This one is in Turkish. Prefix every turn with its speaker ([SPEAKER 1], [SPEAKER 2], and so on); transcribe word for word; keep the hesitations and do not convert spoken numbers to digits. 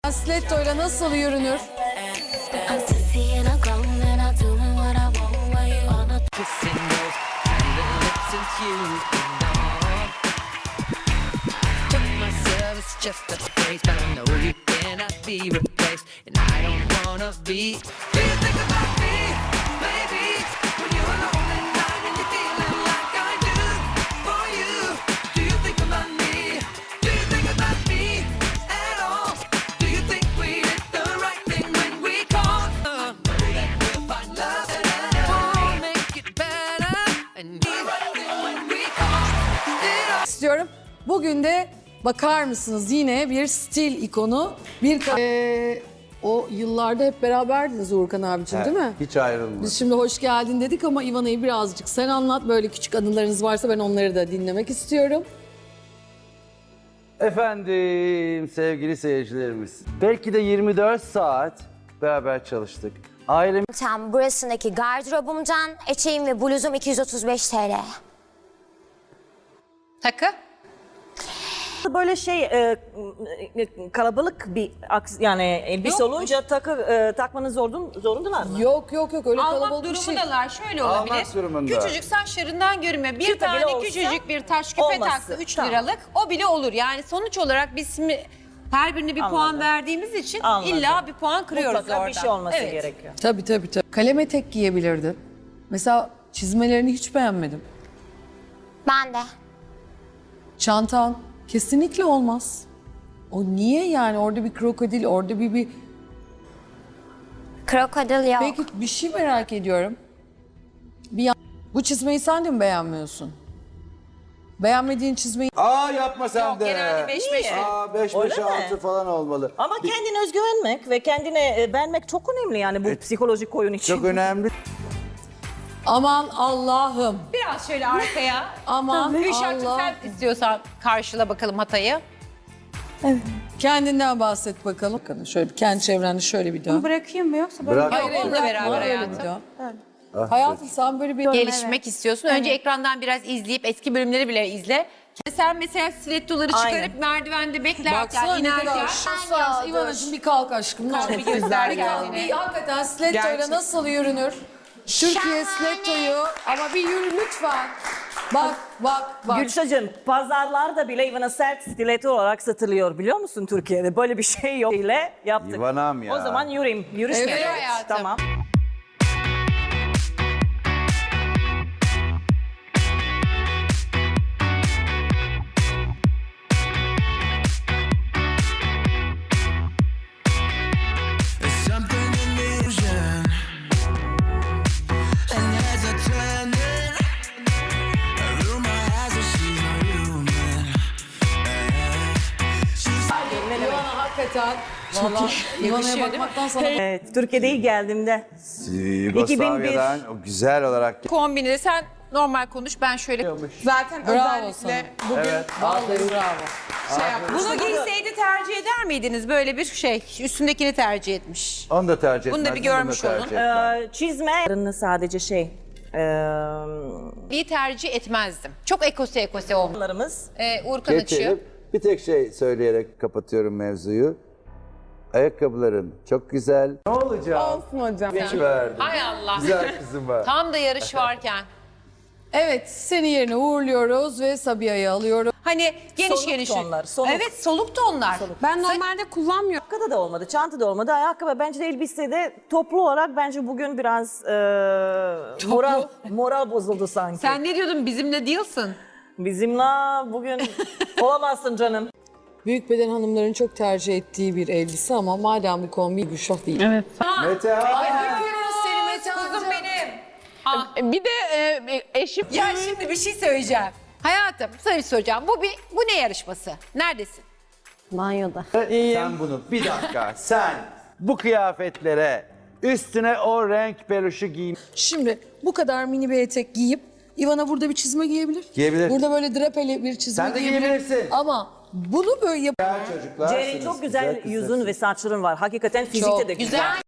[SPEAKER 1] Stiletto'yla nasıl yürünür? İstiyorum. Bugün de bakar mısınız yine bir stil ikonu. Bir ee, o yıllarda hep beraberdiniz Uğurkan abicim, değil mi?
[SPEAKER 2] Hiç ayrılmadı.
[SPEAKER 1] Biz şimdi hoş geldin dedik ama İvana'yı birazcık sen anlat. Böyle küçük anılarınız varsa ben onları da dinlemek istiyorum.
[SPEAKER 2] Efendim sevgili seyircilerimiz. Belki de yirmi dört saat beraber çalıştık. Ailem
[SPEAKER 3] Tam burasındaki gardırobumdan eteğim ve bluzum iki yüz otuz beş TL.
[SPEAKER 4] Takı?
[SPEAKER 5] Böyle şey e, kalabalık bir aks- yani elbise
[SPEAKER 4] Yokmuş.
[SPEAKER 5] olunca takı e, takmanız zorun, zorundalar mı?
[SPEAKER 1] Yok yok yok öyle
[SPEAKER 4] Almak
[SPEAKER 1] kalabalık bir şey.
[SPEAKER 4] durumundalar. Şöyle
[SPEAKER 2] Almak
[SPEAKER 4] olabilir.
[SPEAKER 2] durumunda.
[SPEAKER 4] Küçücük saçlarından görünmüyor. Bir
[SPEAKER 5] Küpe bile
[SPEAKER 4] tane
[SPEAKER 5] olsa
[SPEAKER 4] küçücük bir taş küpe
[SPEAKER 5] olması.
[SPEAKER 4] taktı üç
[SPEAKER 5] Tamam.
[SPEAKER 4] liralık. O bile olur. Yani sonuç olarak biz şimdi her birine bir puan
[SPEAKER 5] Anladım.
[SPEAKER 4] verdiğimiz için
[SPEAKER 5] Anladım.
[SPEAKER 4] illa bir puan kırıyoruz
[SPEAKER 5] Mutlaka
[SPEAKER 4] orada.
[SPEAKER 5] bir şey olması
[SPEAKER 4] Evet.
[SPEAKER 5] gerekiyor.
[SPEAKER 1] Tabii tabii tabii. Kalem etek giyebilirdin. Mesela çizmelerini hiç beğenmedim.
[SPEAKER 3] Ben de.
[SPEAKER 1] Çantan kesinlikle olmaz. O niye yani orada bir krokodil, orada bir bir...
[SPEAKER 3] Krokodil yok.
[SPEAKER 1] Peki bir şey merak ediyorum. Bir yan... Bu çizmeyi sen de mi beğenmiyorsun? Beğenmediğin çizmeyi...
[SPEAKER 2] Aa yapma sen
[SPEAKER 4] Yok,
[SPEAKER 2] de.
[SPEAKER 4] genelde beş beş.
[SPEAKER 2] Aa beş
[SPEAKER 5] Öyle
[SPEAKER 2] beş
[SPEAKER 5] mi?
[SPEAKER 2] altı falan olmalı.
[SPEAKER 5] Ama kendine özgüvenmek ve kendine e, beğenmek çok önemli yani bu psikolojik oyun için.
[SPEAKER 2] Çok önemli.
[SPEAKER 1] Aman Allah'ım.
[SPEAKER 4] Biraz şöyle arkaya.
[SPEAKER 1] Aman
[SPEAKER 4] Gülşah'cığım
[SPEAKER 1] Allah.
[SPEAKER 4] sen istiyorsan karşıla bakalım hatayı.
[SPEAKER 1] Kendinden bahset bakalım. Bakın şöyle bir kendi çevrende şöyle bir dön.
[SPEAKER 6] Bırakayım mı yoksa böyle?
[SPEAKER 2] Bırak.
[SPEAKER 4] Yok, onunla beraber
[SPEAKER 1] Öyle bir
[SPEAKER 4] hayatım.
[SPEAKER 1] dön.
[SPEAKER 2] Ah,
[SPEAKER 1] Hayatım sen böyle bir...
[SPEAKER 4] Gelişmek istiyorsun. Önce ekrandan biraz izleyip eski bölümleri bile izle. Sen mesela stilettoları çıkarıp
[SPEAKER 5] Aynen.
[SPEAKER 4] merdivende beklerken,
[SPEAKER 1] Baksana ne kadar
[SPEAKER 4] inerken
[SPEAKER 1] şanslı. İvanacığım bir kalk aşkım.
[SPEAKER 4] Kalk, bir göster kendini.
[SPEAKER 1] Bir hakikaten stilettoyla
[SPEAKER 4] Gerçek.
[SPEAKER 1] nasıl yürünür? Türkiye stilettoyu ama bir yürü lütfen. Bak bak bak.
[SPEAKER 5] Gülşah'cığım pazarlarda bile Ivana sert stiletto olarak satılıyor biliyor musun Türkiye'de? Böyle bir şey yok ile yaptık.
[SPEAKER 2] Ivana'm ya.
[SPEAKER 5] O zaman yürüyeyim. Yürüyüş
[SPEAKER 1] Evet
[SPEAKER 5] yapıyoruz.
[SPEAKER 4] hayatım.
[SPEAKER 5] Tamam.
[SPEAKER 7] It's something illusion, and heads are turning. A rumor has it she's not human. She's
[SPEAKER 1] İvana hakikaten. Valla İvana'ya bakmaktan sana...
[SPEAKER 5] Evet, Türkiye'de ilk geldiğimde.
[SPEAKER 2] Yugoslavya'dan o güzel olarak
[SPEAKER 4] kombini de sen normal konuş, ben şöyle
[SPEAKER 6] Zaten
[SPEAKER 1] Bravo
[SPEAKER 6] özellikle
[SPEAKER 1] sana. Bugün vallahi bravo.
[SPEAKER 6] şey yapmış.
[SPEAKER 4] bunu giyseydi tercih eder miydiniz? Böyle bir şey, üstündekini tercih etmiş.
[SPEAKER 2] onu da tercih
[SPEAKER 4] Bunu da
[SPEAKER 2] etmezdim,
[SPEAKER 4] bir görmüş
[SPEAKER 2] tercih
[SPEAKER 4] olun.
[SPEAKER 2] etmem.
[SPEAKER 5] Ee, çizme sadece şey. E,
[SPEAKER 4] İyi tercih etmezdim. Çok ekose ekose olmuş.
[SPEAKER 5] onlarımız.
[SPEAKER 4] Ee, Uğurkan açıyor.
[SPEAKER 2] Geçelim. Bir tek şey söyleyerek kapatıyorum mevzuyu. Ayakkabıların çok güzel. Ne olacak?
[SPEAKER 6] Olsun hocam.
[SPEAKER 2] Hiç verdim.
[SPEAKER 4] Hay Allah.
[SPEAKER 2] Güzel kızım var.
[SPEAKER 4] Tam da yarış varken.
[SPEAKER 1] Evet seni yerine uğurluyoruz ve Sabiha'yı alıyoruz.
[SPEAKER 4] Hani geniş
[SPEAKER 5] Soluk
[SPEAKER 4] geniş.
[SPEAKER 5] tonlar, soluk.
[SPEAKER 4] Evet, soluk tonlar.
[SPEAKER 6] Ben normalde kullanmıyorum.
[SPEAKER 5] Ayakkabı da olmadı, çanta da olmadı. Ayakkabı bence de elbisede toplu olarak bence bugün biraz e, moral moral bozuldu sanki.
[SPEAKER 4] Sen ne diyordun, bizimle değilsin?
[SPEAKER 5] Bizimle bugün olamazsın canım.
[SPEAKER 1] Büyük beden hanımların çok tercih ettiği bir elbise ama madem bu kombi Gülşah değil. Evet.
[SPEAKER 2] Mete
[SPEAKER 1] Ay öpüyoruz seni Mete
[SPEAKER 4] Kuzum
[SPEAKER 1] amca.
[SPEAKER 4] benim.
[SPEAKER 6] Bir de e, eşim...
[SPEAKER 4] Ya şimdi bir şey söyleyeceğim. Hayatım, sana bir soracağım. Bu bir, bu ne yarışması? Neredesin?
[SPEAKER 3] Banyoda.
[SPEAKER 2] sen bunu bir dakika sen bu kıyafetlere üstüne o renk peluşu giyin.
[SPEAKER 1] Şimdi bu kadar mini bir etek giyip Ivana burada bir çizme giyebilir.
[SPEAKER 2] Giyebilir.
[SPEAKER 1] Burada böyle drapeli bir çizme
[SPEAKER 2] Sen de
[SPEAKER 1] giyebilir.
[SPEAKER 2] giyebilirsin.
[SPEAKER 1] Ama bunu böyle yap...
[SPEAKER 2] Güzel çocuklarsınız.
[SPEAKER 5] Ceren'in çok güzel
[SPEAKER 2] kızlarsınız.
[SPEAKER 5] yüzün ve saçların var. Hakikaten fizikte
[SPEAKER 1] Çok
[SPEAKER 5] de güzel.
[SPEAKER 4] Güzel.